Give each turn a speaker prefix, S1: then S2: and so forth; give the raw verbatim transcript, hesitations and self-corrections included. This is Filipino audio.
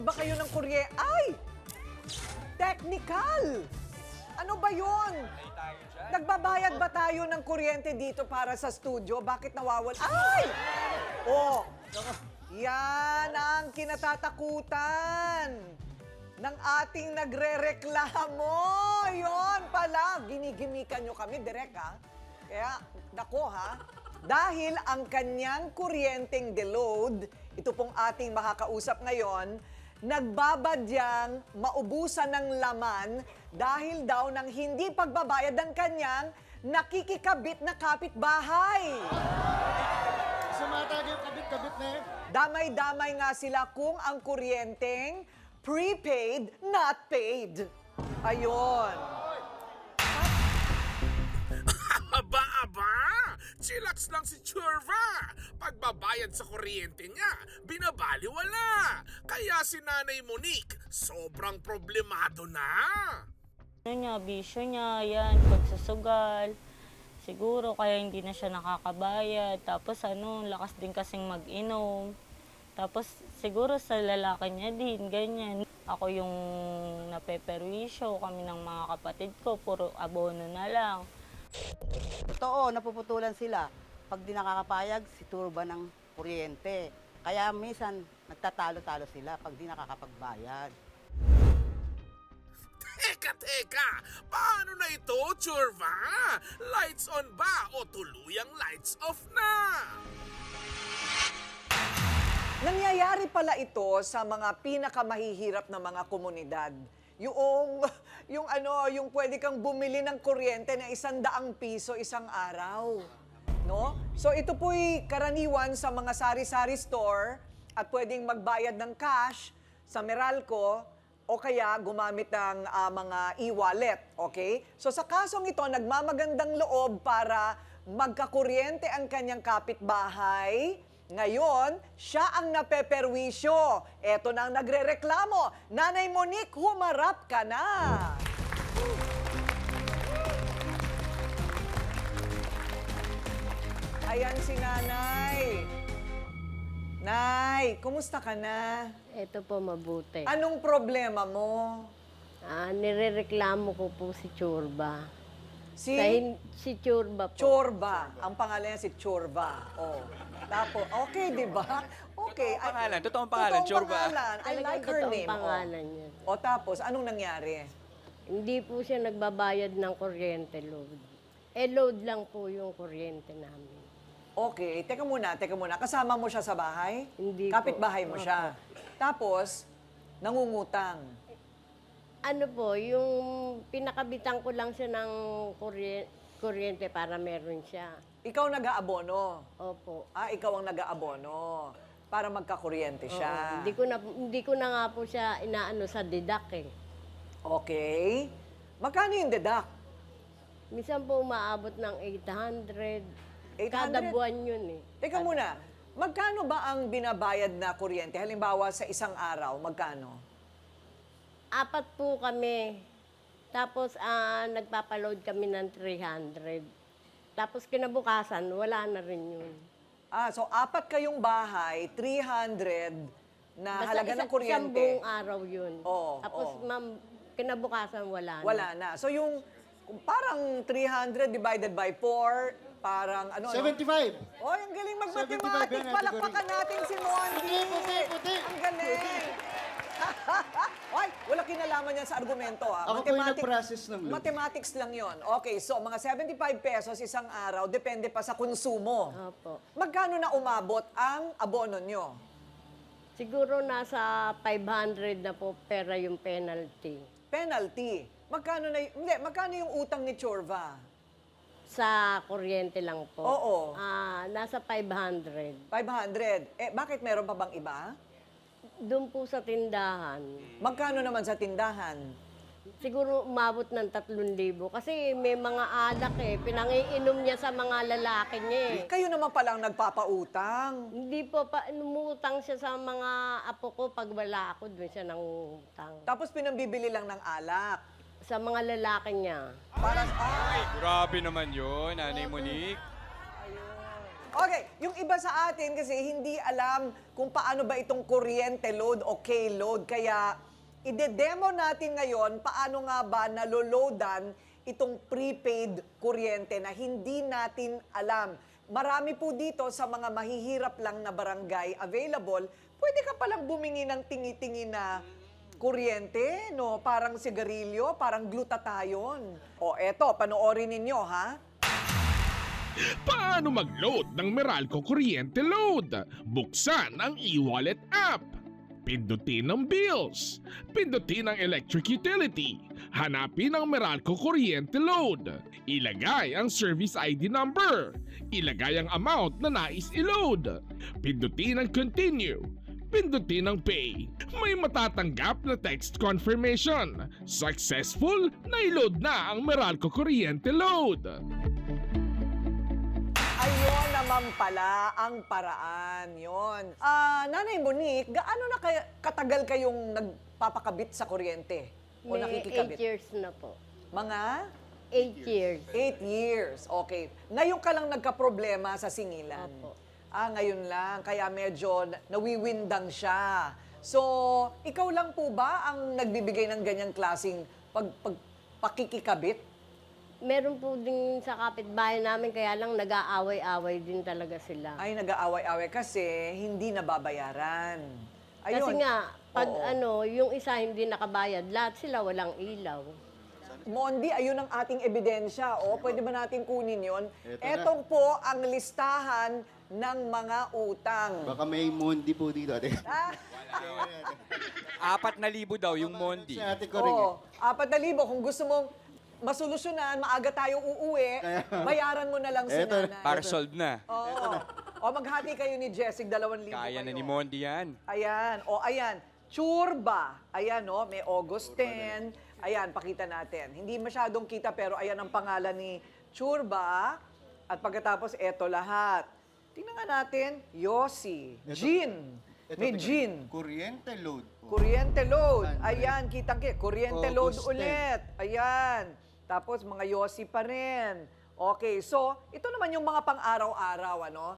S1: Ba kayo ng kurye? Ay! Technical! Ano ba yun? Nagbabayad ba tayo ng kuryente dito para sa studio? Bakit nawawal? Ay! Oh! Yan ang kinatatakutan ng ating nagre-reklamo. Yon pala. Ginigimikan nyo kami, direk ha? Kaya, dako ha? Dahil ang kanyang kuryenteng deload, ito pong ating makakausap ngayon, nagbabadyang maubusan ng laman dahil daw ng hindi pagbabayad ng kanyang nakikikabit na kapitbahay.
S2: Sumatag yung kabit-kabit na yun.
S1: Damay-damay nga sila kung ang kuryenteng prepaid, not paid. Ayon.
S3: Aba, aba! Chillax lang si Churva! Pagbabayad sa kuryente niya, binabaliwala! Kaya si Nanay Monique, sobrang problemado na!
S4: Ano niya, bisyo niya, yan, pagsusugal. Siguro kaya hindi na siya nakakabayad. Tapos ano, lakas din kasing mag-inom. Tapos siguro sa lalaki niya din, ganyan. Ako yung napeperwisyo, kami ng mga kapatid ko, puro abono na lang.
S5: Totoo, napuputulan sila. Pag di nakakapayag, si turba ng kuryente. Kaya minsan, nagtatalo-talo sila pag di nakakapagbayad.
S3: Teka, teka! Paano na ito, Churva? Lights on ba o tuluyang lights off na?
S1: Nangyayari pala ito sa mga pinakamahihirap na mga komunidad. Yung, yung ano, yung pwede kang bumili ng kuryente na isang daang piso isang araw. No? So ito po'y karaniwan sa mga sari-sari store at pwedeng magbayad ng cash sa Meralco o kaya gumamit ng uh, mga e-wallet. Okay? So sa kasong ito, nagmamagandang loob para magkakuryente ang kanyang kapitbahay. Ngayon, siya ang napeperwisyo. Eto na ang nagrereklamo. Nanay Monique, humarap ka na. Ayan si Nanay. Nay, kumusta ka na?
S6: Ito po mabuti.
S1: Anong problema mo?
S6: Ah, nirereklamo ko po si Churba.
S1: Si
S6: Sa hin- si Churba po.
S1: Chorba. Ang pangalan niya si Chorba. Oh. Tapos, okay, di ba? Okay.
S7: Totoong pangalan, totoong pangalan, Chorba.
S1: Pangalan. I
S6: Talagang
S1: like her
S6: totoong
S1: name.
S6: pangalan niya.
S1: O tapos, anong nangyari?
S6: Hindi po siya nagbabayad ng kuryente load. Eh, load lang po yung kuryente namin.
S1: Okay, teka muna, teka muna. Kasama mo siya sa bahay?
S6: Hindi po.
S1: Kapitbahay mo siya. Tapos, nangungutang.
S6: Ano po, yung pinakabitan ko lang siya ng kurye- kuryente para meron siya.
S1: Ikaw nag-aabono.
S6: Opo.
S1: Ah, ikaw ang nag-aabono. Para magkakuryente
S6: Oo.
S1: siya.
S6: Hindi ko na hindi ko na nga po siya inaano sa deduct eh.
S1: Okay. Magkano yung deduct?
S6: Minsan po umaabot ng eight hundred.
S1: eight
S6: Kada
S1: hundred?
S6: buwan yun eh.
S1: Teka muna, magkano ba ang binabayad na kuryente? Halimbawa sa isang araw, magkano?
S6: Apat po kami. Tapos ah, nagpapaload kami ng three hundred. Tapos kinabukasan, wala na rin yun.
S1: Ah, so apat kayong bahay, three hundred na
S6: Basta
S1: halaga
S6: isa-
S1: ng kuryente.
S6: Isang buong araw yun.
S1: Oo,
S6: Tapos
S1: oo.
S6: ma'am, kinabukasan wala na.
S1: Wala na. So yung kung parang three hundred divided by four, parang ano, ano?
S2: seventy-five.
S1: Oh, ang galing
S2: seventy-five
S1: mag-mathematics.
S2: yan,
S1: Palakpakan natin si Mondi.
S2: Puti, puti, puti.
S1: Ang galing. Ay, wala kinalaman yan sa argumento. Ah.
S2: Ako po yung nag-process ng load.
S1: Mathematics lang yon. Okay, so mga seventy-five pesos isang araw, depende pa sa konsumo.
S6: Opo.
S1: Magkano na umabot ang abono nyo?
S6: Siguro nasa five hundred na po pera yung penalty.
S1: Penalty. Magkano na, y- hindi, magkano yung utang ni Chorva?
S6: Sa kuryente lang po.
S1: Oo.
S6: Ah, nasa five hundred.
S1: five hundred. Eh, bakit meron pa bang iba?
S6: Doon po sa tindahan.
S1: Magkano naman sa tindahan?
S6: Siguro umabot ng tatlong libo. Kasi may mga alak eh. Pinangiinom niya sa mga lalaki niya eh.
S1: Kayo naman palang nagpapautang.
S6: Hindi po pa, numutang siya sa mga apo ko. Pag wala ako, doon siya nangutang.
S1: Tapos pinambibili lang ng alak.
S6: Sa mga lalaki niya.
S1: Para sa... Ah,
S7: Grabe naman yun, Nanay Monique.
S1: Okay, yung iba sa atin kasi hindi alam kung paano ba itong kuryente load o K-load. Kaya ide-demo natin ngayon paano nga ba naloloadan itong prepaid kuryente na hindi natin alam. Marami po dito sa mga mahihirap lang na barangay available, pwede ka palang bumingi ng tingi-tingi na kuryente, no? Parang sigarilyo, parang glutathione. O eto, panoorin ninyo, ha?
S3: Paano mag-load ng Meralco Kuryente Load? Buksan ang e-wallet app. Pindutin ang bills. Pindutin ang electric utility. Hanapin ang Meralco Kuryente Load. Ilagay ang service I D number. Ilagay ang amount na nais i-load. Pindutin ang continue. Pindutin ang pay. May matatanggap na text confirmation. Successful! Na-load na ang Meralco Kuryente Load.
S1: Ayun naman pala ang paraan. Yon. Ah, Nanay Monique, gaano na kaya, katagal kayong nagpapakabit sa kuryente? O
S6: May
S1: nakikikabit?
S6: eight years na po.
S1: Mga
S6: Eight years.
S1: eight years. Okay. Ngayon ka lang nagka-problema sa singilan.
S6: Opo.
S1: Ah, ngayon lang. Kaya medyo na- nawiwindang siya. So, ikaw lang po ba ang nagbibigay ng ganyang klaseng pag, pag, pakikikabit?
S6: Meron po din sa kapitbahay namin, kaya lang nag-aaway-away din talaga sila.
S1: Ay, nag-aaway-away kasi hindi nababayaran. Ayun.
S6: Kasi nga, pag
S1: Oo.
S6: ano, yung isa hindi nakabayad, lahat sila walang ilaw.
S1: Mondi, ayun ang ating ebidensya. O, pwede ba natin kunin yon?
S2: Eto na.
S1: Etong po ang listahan ng mga utang.
S2: Baka may Mondi po dito, ate.
S1: Ah,
S7: Apat na libo daw yung Mondi.
S2: Si ate ko rin eh.
S1: oo, apat na libo. Kung gusto mong masolusyonan, maaga tayo uuwi, bayaran mo na lang si
S2: Eto na.
S1: nanay.
S7: Para solve na.
S1: Oo. O, maghati kayo ni Jessic, dalawang libo
S7: Kaya na
S1: kayo.
S7: ni Mondi yan.
S1: Ayan. O, ayan. Churba. Ayan, no? May August tenth. Ayan, pakita natin. Hindi masyadong kita, pero ayan ang pangalan ni Churba. At pagkatapos, eto lahat. Tingnan nga natin. Yossi.
S2: Eto.
S1: Gin.
S2: Ito,
S1: May
S2: tingnan.
S1: gin.
S2: Kuryente load po.
S1: Kuryente load.
S2: Ayan.
S1: Ayan, kitang kita. Kuryente load
S2: August
S1: ulit. Ayan. Tapos, mga Yossi pa rin. Okay, so, ito naman yung mga pang-araw-araw, ano?